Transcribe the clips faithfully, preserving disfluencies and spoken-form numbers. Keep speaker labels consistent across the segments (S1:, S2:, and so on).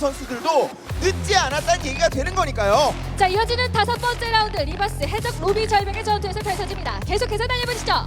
S1: 선수들도 늦지 않았다는 얘기가 되는 거니까요.
S2: 자, 이어지는 다섯 번째 라운드 리버스 해적 로비 절벽의 전투에서 펼쳐집니다. 계속해서 달려보시죠.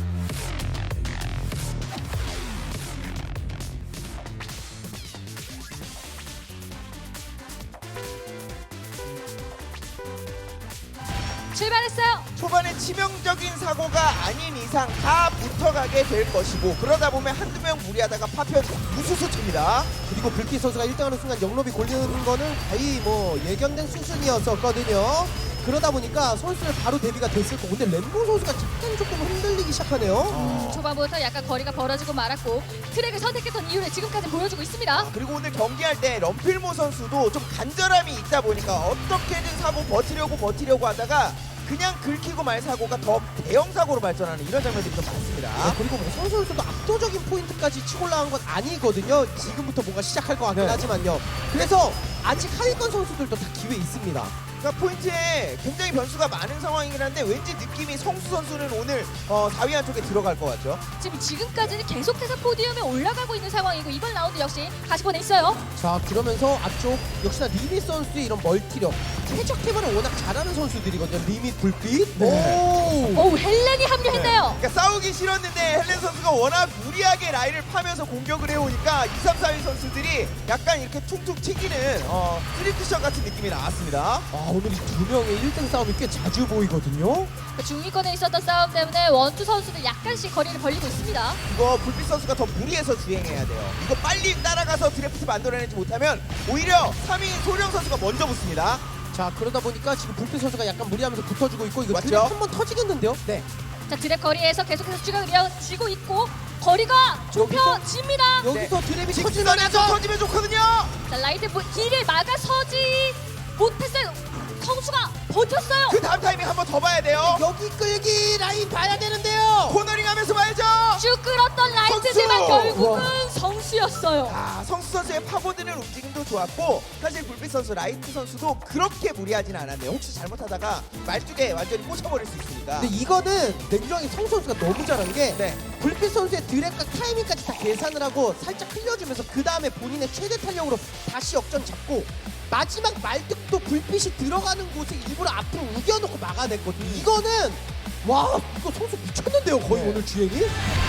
S2: 출발했어요.
S1: 초반에 치명적인 사고가 아닌 이상 다 붙어가게 될 것이고, 그러다 보면 한두 명 무리하다가 파편 무수수 칩니다.
S3: 그리고 불빛 선수가 일 등하는 순간 영롭이 걸리는 거는 거의 뭐 예견된 수준이었었거든요. 그러다 보니까 선수들 바로 대비가 됐을 거고, 근데 램보 선수가 약간 조금 흔들리기 시작하네요.
S2: 음, 초반부터 약간 거리가 벌어지고 말았고 트랙을 선택했던 이유를 지금까지 보여주고 있습니다.
S1: 그리고 오늘 경기할 때 럼필모 선수도 좀 간절함이 있다 보니까 어떻게든 사고 버티려고 버티려고 하다가 그냥 긁히고 말 사고가 더 대형 사고로 발전하는 이런 장면들이 좀 많습니다.
S3: 네, 그리고 뭐 선 선수도 압도적인 포인트까지 치고 올라간 건 아니거든요. 지금부터 뭔가 시작할 것 같긴
S1: 네.
S3: 하지만요. 그래서 아직 하위권 선수들도 다 기회 있습니다.
S1: 그러니까 포인트에 굉장히 변수가 많은 상황이긴 한데 왠지 느낌이 성수 선수는 오늘 어, 사 위 안쪽에 들어갈 것 같죠.
S2: 지금 지금까지는 계속해서 포디움에 올라가고 있는 상황이고 이번 라운드 역시 가시권에 있어요.
S3: 자, 그러면서 앞쪽 역시나 리밋 선수의 이런 멀티력, 최적 팀을 워낙 잘하는 선수들이거든요. 리밋, 불빛.
S1: 네.
S3: 오.
S2: 오, 헬렌이 합류했네요.
S1: 그러니까 싸우기 싫었는데 헬렌 선수가 워낙 무리하게 라인을 파면서 공격을 해오니까 이, 삼, 사 위 선수들이 약간 이렇게 퉁퉁 튀기는 어, 쓰리쿠션 같은 느낌이 나왔습니다.
S3: 아, 오늘 이 두 명의 일 등 싸움이 꽤 자주 보이거든요.
S2: 중위권에 있었던 싸움 때문에 원투 선수들 약간씩 거리를 벌리고 있습니다.
S1: 이거 불빛 선수가 더 무리해서 주행해야 돼요. 이거 빨리 따라가서 드래프트 만들어내지 못하면 오히려 삼 위인 소령 선수가 먼저 붙습니다.
S3: 자, 그러다 보니까 지금 불빛 선수가 약간 무리하면서 붙어주고 있고, 이거
S1: 맞죠?
S3: 드랩 한번 터지겠는데요? 네.
S2: 자, 드랩 거리에서 계속해서 추격을 이어지고 있고 거리가 좁혀집니다.
S3: 여기서 드랩이 터지면
S1: 직선에서 터지면 좋거든요.
S2: 자, 라이트 뭐, 길을 막아서지 못했어요. 성수가 버텼어요.
S1: 그 다음 타이밍 한번 더 봐야 돼요.
S3: 여기 끌기 라인 봐야 되는데요.
S1: 코너링 하면서 봐야죠.
S2: 쭉 끌었던 라이트지만
S1: 성수!
S2: 결국은
S3: 와.
S2: 성수였어요.
S1: 아, 성수 선수의 파고드는 움직임도 좋았고 사실 불빛 선수, 라이트 선수도 그렇게 무리하진 않았네요. 혹시 잘못하다가 말뚝에 완전히 꽂혀버릴 수 있으니까.
S3: 근데 이거는 냉정하게 성 선수가 너무 잘한 게
S1: 네.
S3: 불빛 선수의 드랩과 타이밍까지 다 계산을 하고 살짝 흘려주면서 그 다음에 본인의 최대 탄력으로 다시 역전 잡고 마지막 말뚝도 불빛이 들어가는 곳에 일부러 앞으로 우겨놓고 막아냈거든요. 이거는 와, 이거 선수 미쳤는데요, 거의
S1: 네.
S3: 오늘 주행이?